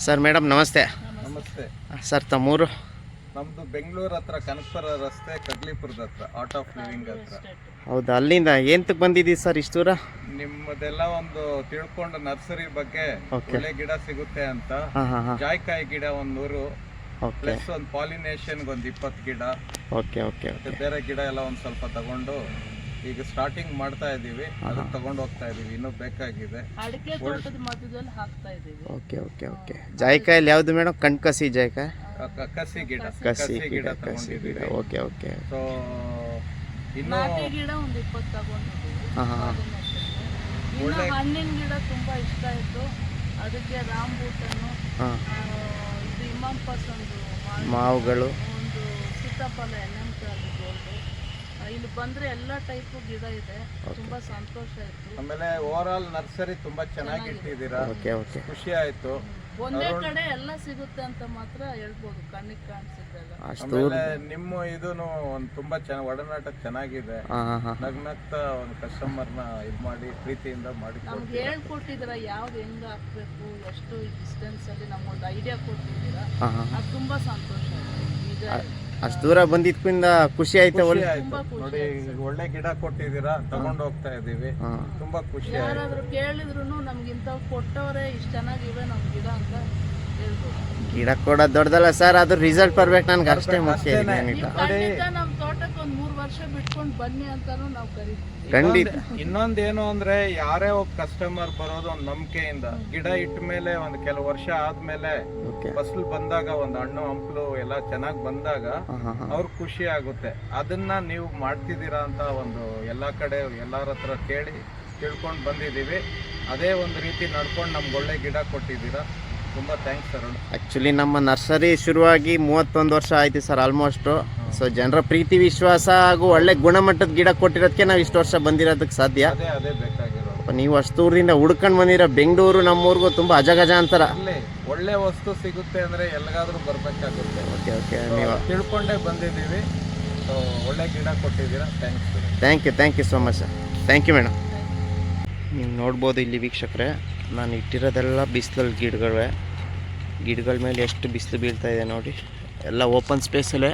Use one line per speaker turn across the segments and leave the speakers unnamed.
Sir madam ನಮಸ್ತೆ.
ನಮಸ್ತೆ
sir ತಮ್ಮೂರು?
ನಮ್ಮದು ಬೆಂಗಳೂರು ಹತ್ರ ಕನಕಪುರ ರಸ್ತೆ ಕಗ್ಲಿಪುರದ ಹತ್ರ ಆರ್ಟ್ ಆಫ್ ಲಿವಿಂಗ್ ಹತ್ರ.
ಹೌದಾ, ಅಲ್ಲಿಂದ ಏಂತಕ್ಕೆ ಬಂದಿದ್ದೀವಿ ಸರ್ ಇಷ್ಟು ದೂರ?
ನಿಮ್ಮದೆಲ್ಲ ಒಂದು ತಿಳ್ಕೊಂಡು ನರ್ಸರಿ ಬಗ್ಗೆ ಒಳ್ಳೆ ಗಿಡ ಸಿಗುತ್ತೆ ಅಂತ. ಜಾಯ್ಕಾಯಿ ಗಿಡ ಒಂದು 100 ಪ್ಲಸ್ ಒಂದು ಪಾಲಿನೇಷನ್ಗೆ ಒಂದು 20 ಗಿಡ, ಬೇರೆ ಗಿಡ ಎಲ್ಲ ಒಂದು ಸ್ವಲ್ಪ ತಗೊಂಡು ಈಗ ಸ್ಟಾರ್ಟಿಂಗ್ ಮಾಡ್ತಾ ಇದೀವಿ. ಅದನ್ನ ತಗೊಂಡು ಹೋಗ್ತಾ ಇದೀವಿ, ಇನ್ನೂ ಬೇಕಾಗಿದೆ.
ಜಾಯ್ಕಾಯಲ್ಲಿ ಯಾವ್ದು ಮೇಡಮ್? ಕಣ್ಕಸಿ ಜಾಯ್ಕಾಯಿ,
ಕಸಿ ಗಿಡ ತಗೊಂಡಿದ್ದೀವಿ. ಸೊ ಇನ್ನು
ಒಳ್ಳೆ ಹಣ್ಣಿನ ಗಿಡ ತುಂಬಾ ಇಷ್ಟ ಆಯ್ತು. ಅದಕ್ಕೆ ರಾಂಬೂಟನ್ನು, ಇದು ಇಮಾಂಪಸ್, ಒಂದು
ಮಾವುಗಳು,
ಒಂದು ಸೀತಾಫಲ, ಇಲ್ಲಿ ಬಂದ್ರೆ ಎಲ್ಲ ಟೈಪ್ ಗಿಡ ಇದೆ. ತುಂಬಾ ಸಂತೋಷ ಆಯ್ತು.
ಆಮೇಲೆ ಓವರ್ ಆಲ್ ನರ್ಸರಿ ತುಂಬಾ ಚೆನ್ನಾಗಿ ಇಟ್ಟಿದ್ದೀರಾ, ಖುಷಿ ಆಯ್ತು.
ಒಂದೇ ಕಡೆ ಎಲ್ಲ ಸಿಗುತ್ತೆ ಅಂತ ಮಾತ್ರ ಹೇಳ್ಬೋದು, ಕಣ್ಣಿಗೆ ಕಾಣಿಸಿದ್ದೆಲ್ಲ.
ಆಮೇಲೆ ನಿಮ್ಮ ಇದೂನು ಒಂದು ತುಂಬಾ ಚೆನ್ನಾಗಿ ಒಡನಾಟ ಚೆನ್ನಾಗಿದೆ. ನಗ್ನಗ್ತಾ ಒಂದು ಕಸ್ಟಮರ್ನ ಇದು ಮಾಡಿ ಪ್ರೀತಿಯಿಂದ ಮಾಡಿ
ನಮ್ಗೆ ಹೇಳ್ಕೊಟ್ಟಿದ್ದೀರಾ ಯಾವ್ದು ಹೆಂಗ ಹಾಕ್ಬೇಕು, ಎಷ್ಟು ಡಿಸ್ಟೆನ್ಸ್ ಅಲ್ಲಿ ನಮ್ಗೊಂದು ಐಡಿಯಾ ಕೊಟ್ಟಿದ್ದೀರಾ. ಅದು ತುಂಬಾ ಸಂತೋಷ ಆಯ್ತು.
ಅಷ್ಟು ದೂರ ಬಂದಿದ್ಕಿಂತ ಖುಷಿ ಆಯ್ತು.
ನೋಡಿ, ಒಳ್ಳೆ ಗಿಡ ಕೊಟ್ಟಿದ್ದೀರಾ, ತಗೊಂಡು ಹೋಗ್ತಾ ಇದೀವಿ. ತುಂಬಾ ಖುಷಿ.
ಯಾರಾದ್ರೂ ಕೇಳಿದ್ರು ನಮ್ಗಿಂತ ಕೊಟ್ಟವರೇ ಇಷ್ಟು ಚೆನ್ನಾಗಿವೆ ನಮ್ ಗಿಡ ಅಂತ ಹೇಳ್ಬೋದು.
ಗಿಡ ಕೊಡೋದು ದೊಡ್ಡದಲ್ಲ ಸರ್, ಅದು ರಿಸಲ್ಟ್ ಬರ್ಬೇಕು ನನ್ಗೆ, ಅಷ್ಟೇ ಮುಖ್ಯ.
ನಮ್ ತೋಟಕ್ಕೆ ಒಂದು 3 ವರ್ಷ ಬಿಟ್ಕೊಂಡು ಬನ್ನಿ ಅಂತಾನು ನಾವು ಕರಿತೀವಿ.
ಖಂಡಿತ.
ಇನ್ನೊಂದೇನು ಅಂದ್ರೆ, ಯಾರೇ ಒಬ್ಬ ಕಸ್ಟಮರ್ ಬರೋದು ಒಂದು ನಂಬಿಕೆಯಿಂದ. ಗಿಡ ಇಟ್ಟ ಮೇಲೆ ಒಂದು ಕೆಲವು ವರ್ಷ ಆದ್ಮೇಲೆ ಫಸಲು ಬಂದಾಗ, ಒಂದು ಹಣ್ಣು ಹಂಪಲು ಎಲ್ಲ ಚೆನ್ನಾಗಿ ಬಂದಾಗ ಅವ್ರ ಖುಷಿ ಆಗುತ್ತೆ. ಅದನ್ನ ನೀವು ಮಾಡ್ತಿದ್ದೀರಾ ಅಂತ ಒಂದು ಎಲ್ಲಾ ಕಡೆ ಎಲ್ಲಾರ ಹತ್ರ ಕೇಳಿ ತಿಳ್ಕೊಂಡು ಬಂದಿದ್ದೀವಿ. ಅದೇ ಒಂದು ರೀತಿ ನಡ್ಕೊಂಡು ನಮ್ಗೆ ಒಳ್ಳೆ ಗಿಡ ಕೊಟ್ಟಿದ್ದೀರಾ. ತುಂಬಾ ಥ್ಯಾಂಕ್ಸ್ ಸರ್.
ಆ್ಯಕ್ಚುಲಿ ನಮ್ಮ ನರ್ಸರಿ ಶುರುವಾಗಿ 31 ವರ್ಷ ಆಯ್ತು ಸರ್ ಆಲ್ಮೋಸ್ಟು. ಸೊ ಜನರ ಪ್ರೀತಿ ವಿಶ್ವಾಸ ಹಾಗೂ ಒಳ್ಳೆ ಗುಣಮಟ್ಟದ ಗಿಡ ಕೊಟ್ಟಿರೋದಕ್ಕೆ ನಾವು ಇಷ್ಟು ವರ್ಷ ಬಂದಿರೋದಕ್ಕೆ ಸಾಧ್ಯ.
ಅದೇ ಬೇಕಾಗಿರೋದು.
ನೀವು ಅಷ್ಟು ದೂರದಿಂದ ಹುಡ್ಕೊಂಡು ಬಂದಿರೋ ಬೆಂಗಳೂರು ನಮ್ಮೂರಿಗೂ ತುಂಬ ಅಜಗಜ ಅಂತಾರ.
ಒಳ್ಳೆ ವಸ್ತು ಸಿಗುತ್ತೆ ಅಂದ್ರೆ ಎಲ್ಲಿಗಾದ್ರೂ ಬರ್ಬೇಕಾಗುತ್ತೆ. ನೀವು ತಿಳ್ಕೊಂಡೇ ಬಂದಿದ್ದೀವಿ. ಸೊ ಒಳ್ಳೆ ಗಿಡ ಕೊಟ್ಟಿದ್ದೀರಾ.
Thank you so much sir. Thank you madam. ನೀವು ನೋಡ್ಬೋದು ಇಲ್ಲಿ ವೀಕ್ಷಕರೇ, ನಾನು ಇಟ್ಟಿರೋದೆಲ್ಲ ಬಿಸಿಲಲ್ಲಿ ಗಿಡಗಳ ಮೇಲೆ ಎಷ್ಟು ಬಿಸಿಲು ಬೀಳ್ತಾ ಇದೆ ನೋಡಿ. ಎಲ್ಲ ಓಪನ್ ಸ್ಪೇಸಲ್ಲೇ,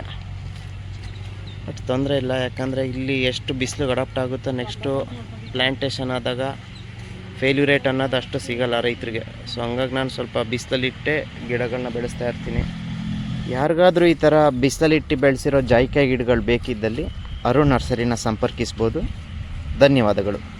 ಅಷ್ಟು ತೊಂದರೆ ಇಲ್ಲ. ಯಾಕಂದರೆ ಇಲ್ಲಿ ಎಷ್ಟು ಬಿಸಿಲು ಅಡಾಪ್ಟ್ ಆಗುತ್ತೋ ನೆಕ್ಸ್ಟು ಪ್ಲ್ಯಾಂಟೇಷನ್ ಆದಾಗ ಫೇಲ್ಯೂರೇಟ್ ಅನ್ನೋದು ಅಷ್ಟು ಸಿಗಲ್ಲ ರೈತರಿಗೆ. ಸೊ ಹಂಗಾಗಿ ನಾನು ಸ್ವಲ್ಪ ಬಿಸಿಲಲ್ಲಿಟ್ಟೆ ಗಿಡಗಳನ್ನ ಬೆಳೆಸ್ತಾ ಇರ್ತೀನಿ. ಯಾರಿಗಾದರೂ ಈ ಥರ ಬಿಸಿಲಲ್ಲಿಟ್ಟು ಬೆಳೆಸಿರೋ ಜಾಯ್ಕಾಯಿ ಗಿಡಗಳು ಬೇಕಿದ್ದಲ್ಲಿ ಅರುಣ್ ನರ್ಸರಿನ ಸಂಪರ್ಕಿಸ್ಬೋದು. ಧನ್ಯವಾದಗಳು.